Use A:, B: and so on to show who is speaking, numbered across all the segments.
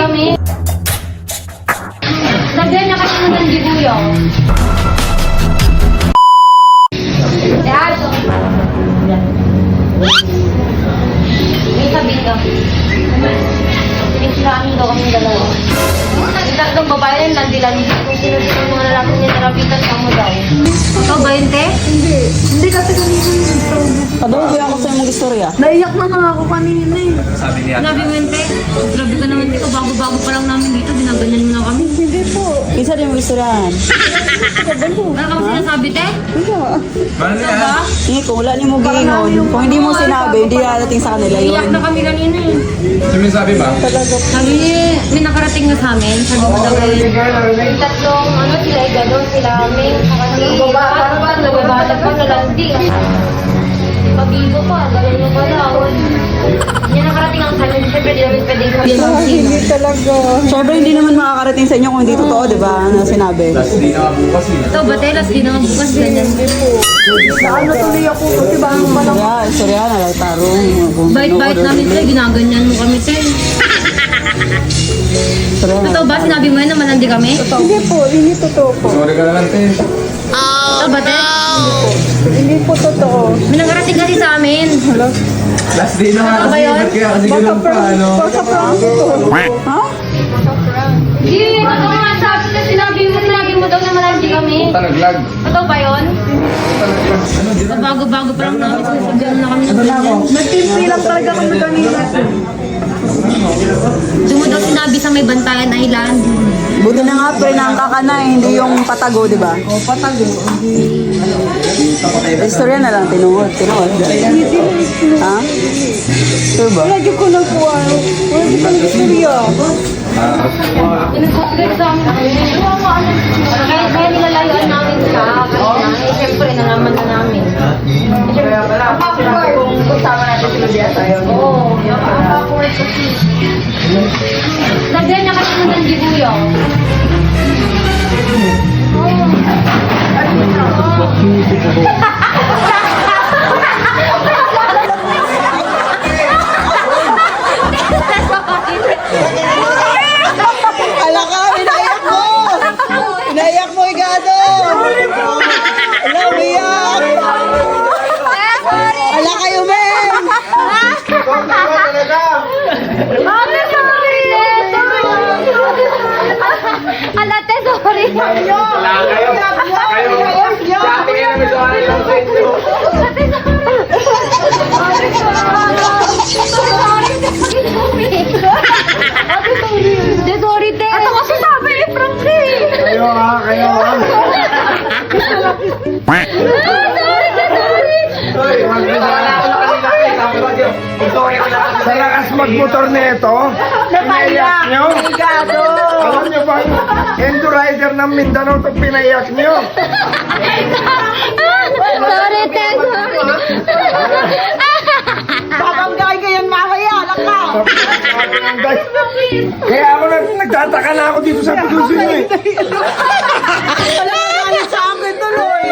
A: kami. Lagyan niya kasi ng nandibuyo. Dad! May sabi ka. Pinisilaan daw kami dalawa. Yung tatlong babae rin, landi-landi. Kung sino-sino yung mga lalaki niya, narapitan ka mo daw. Ikaw ba yun, te?
B: Hindi kasi kanina
C: Padobo ako sa mong istorya.
B: naiyak na nga ako kanina eh.
A: Sinabi mo yun, te? Grabe ka naman dito. Bago-bago pa lang namin dito. Ginaganyan mo na kami.
B: Hindi po.
C: Isa din mong istoryahan.
A: Ano ka sinasabi, te? Ano ba?
C: Hindi, kung wala niyo mo giingon, kung hindi mo sinabi, hindi dadating sa kanila
A: Iyak
C: yun.
A: na kami kanina eh.
D: Sabi ba?
A: Sabi niya, may nakarating na sa amin. Sabi mo daw eh. Yung tatlong, sila Igadon, sila Ming, saka si nagbabatag pa sa landi. Pabigo pa, gano'n yung pala. Yung nakarating ang kanin, siyempre di namin pwedeng sabihin ng sino.
B: Hindi talaga.
C: Siyempre, hindi naman makakarating sa inyo kung hindi totoo, di ba? Na sinabi.
D: Last day na nga bukas eh.
A: Ito, batelas, di na nga bukas ganyan.
B: Naano tuloy ako kasi bang malang
C: Istorya na lang, tarong.
A: Bait-bait namin sila, ginaganyan mo kami sir.
C: Istorya na
A: Totoo ba, sinabi mo yun na malandi kami?
B: Hindi po, hindi totoo po.
D: Sorry ka na lang, te.
A: Ito, batel?
B: Hindi po totoo.
A: May nakarating kasi sa amin.
D: Last day na nga
A: Ano ba
D: kasi.
A: yun?
D: Ba't kaya kasi ganun pa, ano?
B: Baka prank ito.
C: Ha?
A: Hindi, totoo nga sabi na sinabi mo daw na malandi kami.
D: Puta, nag-lag.
A: Totoo ba yun?
D: Ano, di na?
A: Bago-bago pa lang namin, sinasabihan na kami ng ganyan.
B: Nag-timpy lang talaga kami kanina.
A: Doon mo daw sinabi sa may Bantayan Island.
C: Buti na nga, pinangka ka na, hindi yung patago, di ba?
B: O, patago.
C: Istorya na lang, tinuod. Ha? Sure ba?
B: Wala dyan ko na po ano. Wala dyan ko na istorya.
A: Pinagkakagad sa amin. Kaya nilalayuan namin siya. Kasi siyempre, nalaman na namin.
B: Kaya pala, kung kasama natin sila diya tayo.
A: Oo. Awkward kasi. Lagyan niya kasi ng nandibuyo.
C: Ala ka, inayak mo! Inayak mo, Igado! Ala, umiyak! Ala kayo, men!
A: Alate, sorry. Sorry, te. Ato kasi sabi ni Frank eh.
D: Kayo ha, kayo ha.
E: Sa lakas magmotor nito, pinaiyak nyo. Alam nyo ba, Endo Rider ng Mindanao itong pinaiyak nyo.
A: Sorry, te. Sorry.
B: Babangay ka yan mamaya. Laka.
E: Kaya ako nagtataka na ako dito sa puso nyo eh.
B: Wala ka galit sa akin tuloy.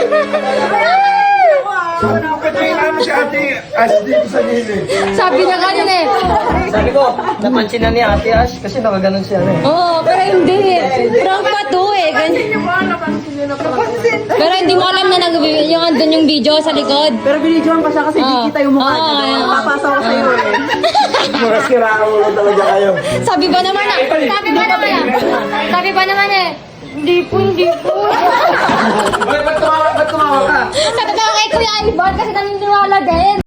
E: Patayin namin si Ate As dito sa gilid.
A: Sabi niya kanina eh.
F: Sabi ko, napansin na ni Ate Ash kasi nakaganon siya eh.
A: Oo, pero hindi. Prank pa to eh. Ganyan. Pero hindi mo alam na yung andun yung video sa likod.
C: Pero binidyoan pa siya kasi di kita yung mukha niya.
A: Oo,
C: Papasa ko sa'yo eh.
E: Mga siraan mo talaga kayo.
A: Sabi ba naman eh. Hindi po.
D: Ba't tumawa ka?
A: Sabi ko kay Kuya Ivan kasi